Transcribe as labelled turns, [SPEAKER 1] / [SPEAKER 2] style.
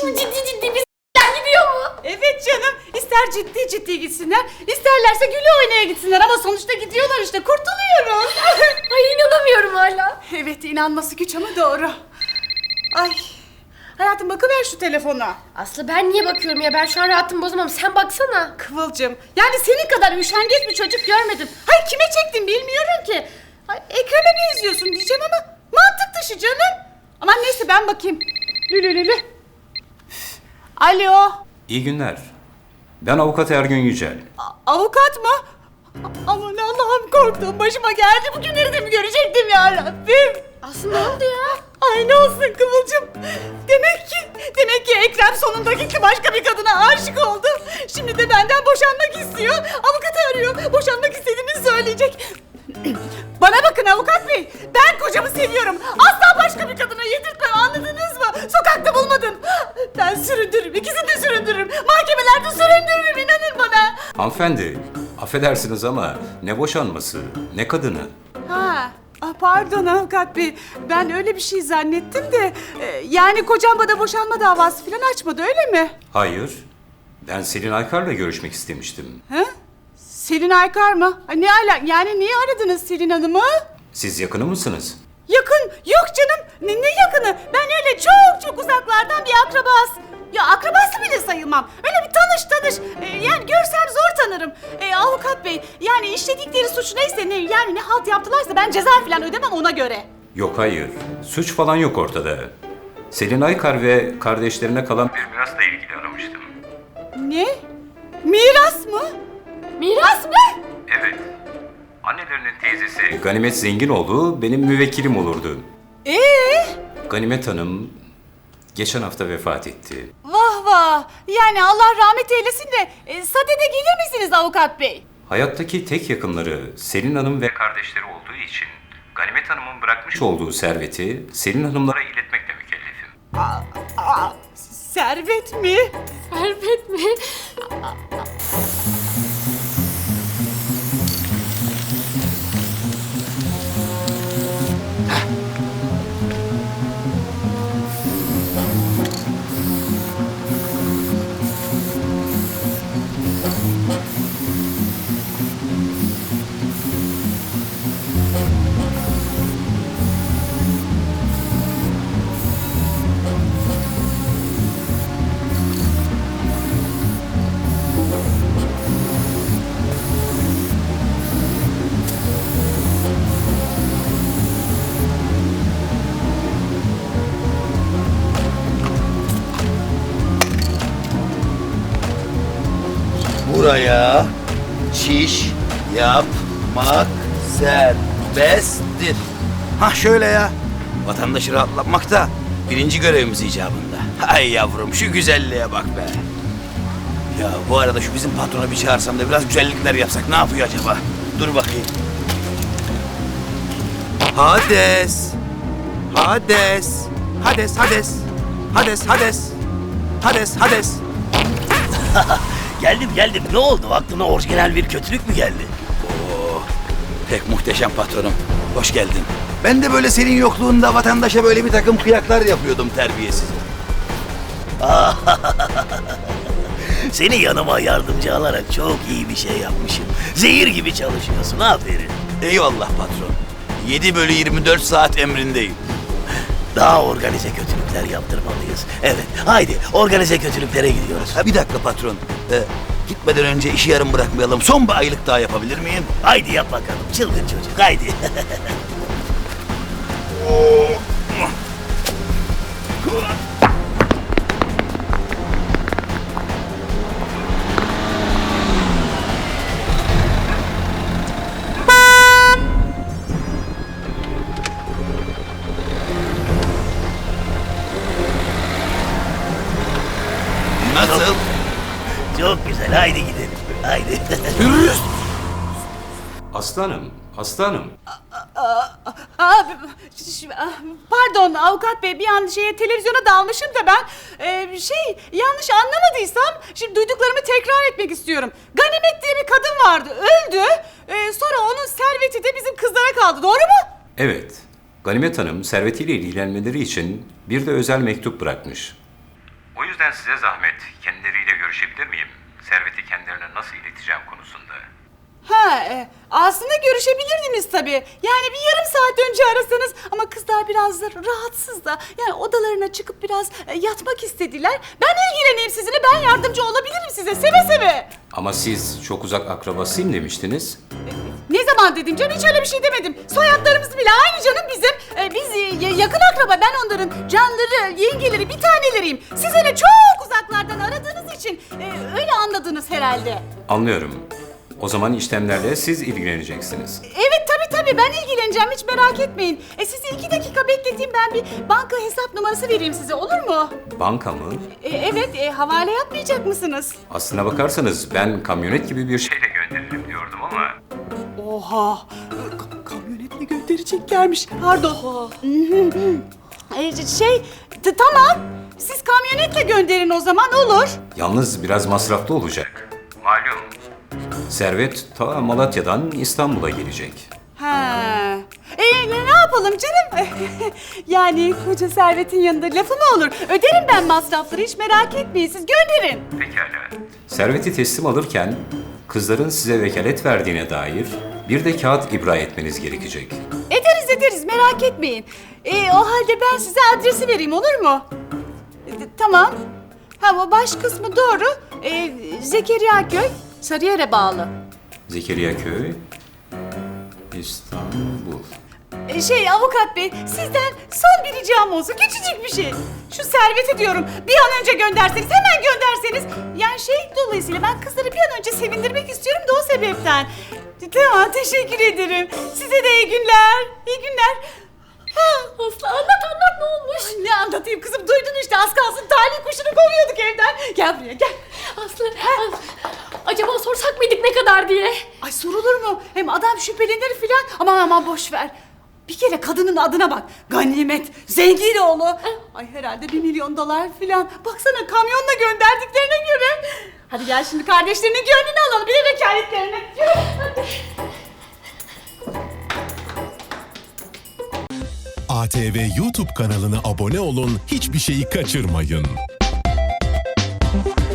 [SPEAKER 1] şimdi ciddi bizden gidiyor mu?
[SPEAKER 2] Evet canım. İster ciddi gitsinler, isterlerse güle oynaya gitsinler ama sonuçta gidiyorlar işte. Kurtuluyoruz.
[SPEAKER 1] Ay inanamıyorum hala.
[SPEAKER 2] Evet, inanması güç ama doğru. Ay. Hayatım bakıver şu telefona.
[SPEAKER 1] Aslı ben niye bakıyorum ya? Ben şu an rahatımı bozamam. Sen baksana.
[SPEAKER 2] Kıvılcım, yani senin kadar üşengeç bir çocuk görmedim. Hayır, kime çektin bilmiyorum ki. Ay, Ekrem'e benziyorsun diyeceğim ama mantık dışı canım. Aman neyse ben bakayım. Lülülülü. Alo.
[SPEAKER 3] İyi günler. Ben avukat Ergün Yücel.
[SPEAKER 2] Avukat mı? Aman Allah'ım, korktum. Başıma geldi. Bugünleri de mi görecektim ya Rabbim?
[SPEAKER 1] Aslı ne oldu ya?
[SPEAKER 2] Ay ne olsun Kıvılcım. Demek ki Ekrem sonunda gitti, başka bir kadına aşık oldu. Şimdi de benden boşanmak istiyor. Avukatı arıyor. Boşanmak istediğini söyleyecek. Bana bakın avukat bey. Ben kocamı seviyorum. Asla başka bir kadına yedirtmem, anladınız mı? Sokakta bulmadım. Ben süründürürüm. İkisini de süründürürüm. Mahkemelerde süründürürüm, inanın bana.
[SPEAKER 3] Hanımefendi, affedersiniz ama ne boşanması, ne kadını.
[SPEAKER 2] Pardon avukat bey. Ben öyle bir şey zannettim de. Yani kocam bana boşanma davası falan açmadı, öyle mi?
[SPEAKER 3] Hayır, ben Selin Aykar'la görüşmek istemiştim.
[SPEAKER 2] He? Selin Aykar mı? Ay, ne ala? Yani niye aradınız Selin Hanım'ı?
[SPEAKER 3] Siz yakını mısınız?
[SPEAKER 2] Yakın? Yok canım. Ne yakını? Ben öyle çok uzaklardan bir akrabası. Ya akrabası bile sayılmam. Öyle bir tanış. Yani görsem zor tanırım. Avukat bey, yani işledikleri suç neyse, yani ne halt yaptılarsa ben ceza falan ödemem ona göre.
[SPEAKER 3] Yok hayır, suç falan yok ortada. Selin Aykar ve kardeşlerine kalan bir mirasla ilgili aramıştım.
[SPEAKER 2] Ne? Miras mı?
[SPEAKER 1] Miras mı?
[SPEAKER 3] Evet. Annelerinin teyzesi Ganimet Zenginoğlu benim müvekkilim olurdu. Ganimet Hanım geçen hafta vefat etti.
[SPEAKER 2] Vah. Yani Allah rahmet eylesin de sadede gelir misiniz avukat bey?
[SPEAKER 3] Hayattaki tek yakınları Selin Hanım ve kardeşleri olduğu için Ganimet Hanım'ın bırakmış olduğu serveti Selin Hanımlara iletmekle mükellefim.
[SPEAKER 2] Servet mi?
[SPEAKER 1] Servet mi?
[SPEAKER 4] Buraya çiş yapmak serbesttir. Hah şöyle ya. Vatandaşı rahatlatmak da birinci görevimiz icabında. Ay yavrum şu güzelliğe bak be. Ya bu arada şu bizim patrona bir çağırsam da biraz güzellikler yapsak ne yapıyor acaba? Dur bakayım. Hades. Hades. Hades, Hades. Hades, Hades. Hades, Hades. Geldim. Ne oldu? Aklına orijinal bir kötülük mü geldi? Oo, pek muhteşem patronum. Hoş geldin. Ben de böyle senin yokluğunda vatandaşa böyle bir takım kıyaklar yapıyordum terbiyesiz.
[SPEAKER 5] Seni yanıma yardımcı alarak çok iyi bir şey yapmışım. Zehir gibi çalışıyorsun, aferin.
[SPEAKER 4] Eyvallah patron. 7/24 saat emrindeyim.
[SPEAKER 5] Daha organize kötülükler yaptırmalıyız. Evet, haydi organize kötülüklere gidiyoruz.
[SPEAKER 4] Ha bir dakika patron. Gitmeden önce işi yarım bırakmayalım. Son bir aylık daha yapabilir miyim?
[SPEAKER 5] Haydi yap bakalım, çılgın çocuk, haydi.
[SPEAKER 4] Nasıl?
[SPEAKER 5] Çok güzel, haydi gidelim, haydi.
[SPEAKER 3] Aslanım, aslanım.
[SPEAKER 2] Pardon avukat bey, bir an televizyona dalmışım da ben yanlış anlamadıysam şimdi duyduklarımı tekrar etmek istiyorum. Ganimet diye bir kadın vardı, öldü. Sonra onun serveti de bizim kızlara kaldı, doğru mu?
[SPEAKER 3] Evet, Ganimet Hanım servetiyle ilgilenmeleri için bir de özel mektup bırakmış. O yüzden size zahmet, kendileriyle görüşebilir miyim? Serveti kendilerine nasıl ileteceğim konusunda.
[SPEAKER 2] Aslında görüşebilirdiniz tabii. Yani bir yarım saat önce arasanız ama kızlar biraz da rahatsız da. Yani odalarına çıkıp biraz yatmak istediler. Ben ilgileneyim sizinle, ben yardımcı olabilirim size seve seve.
[SPEAKER 3] Ama siz çok uzak akrabasıyım demiştiniz.
[SPEAKER 2] Ne zaman dedim canım, hiç öyle bir şey demedim. Soyadlarımız bile aynı canım bizim. Biz yakın akraba, ben onların canları, yengeleri, bir taneleriyim. Siz öyle çok uzaklardan aradığınız için öyle anladınız herhalde.
[SPEAKER 3] Anlıyorum. O zaman işlemlerle siz ilgileneceksiniz.
[SPEAKER 2] Evet tabii ben ilgileneceğim, hiç merak etmeyin. Sizi 2 dakika bekleteyim, ben bir banka hesap numarası vereyim size, olur mu?
[SPEAKER 3] Banka mı?
[SPEAKER 2] Evet, havale yapmayacak mısınız?
[SPEAKER 3] Aslına bakarsanız ben kamyonet gibi bir şeyle gönderirim diyordum ama...
[SPEAKER 2] Oha! Kamyonetle göndereceklermiş. Pardon. Tamam. Siz kamyonetle gönderin o zaman, olur.
[SPEAKER 3] Yalnız biraz masraflı olacak. Malum. Servet ta Malatya'dan İstanbul'a gelecek.
[SPEAKER 2] Ne yapalım canım? Yani koca servetin yanında lafı mı olur? Öderim ben masrafları, hiç merak etmeyin, siz gönderin.
[SPEAKER 3] Pekala. Serveti teslim alırken kızların size vekalet verdiğine dair bir de kağıt ibra etmeniz gerekecek.
[SPEAKER 2] Ederiz, merak etmeyin. O halde ben size adresi vereyim, olur mu? Tamam. O baş kısmı doğru. Zekeriya Köy, Sarıyer'e bağlı.
[SPEAKER 3] Zekeriya Köy, İstanbul.
[SPEAKER 2] Avukat bey, sizden son bir ricam olsun, küçücük bir şey. Şu serveti diyorum, bir an önce gönderseniz, hemen gönderseniz. Yani dolayısıyla ben kızları bir an önce sevindirmek istiyorum da o sebepten. Tamam, teşekkür ederim. Size de iyi günler, iyi günler.
[SPEAKER 1] Aslı anlat ne olmuş?
[SPEAKER 2] Ne anlatayım kızım, duydun işte, az kalsın talih kuşunu kovuyorduk evden. Gel buraya, gel.
[SPEAKER 1] Aslı, acaba sorsak mıydık ne kadar diye?
[SPEAKER 2] Ay sorulur mu? Hem adam şüphelenir filan. Aman boş ver. Bir kere kadının adına bak. Ganimet, Zenginoğlu. Ay herhalde $1 milyon filan. Baksana, kamyonla gönderdiklerine göre. Hadi gel şimdi kardeşlerinin gönlünü alalım. Bir de vekaletlerini. Yürü. Hadi.
[SPEAKER 6] ATV YouTube kanalına abone olun, hiçbir şeyi kaçırmayın.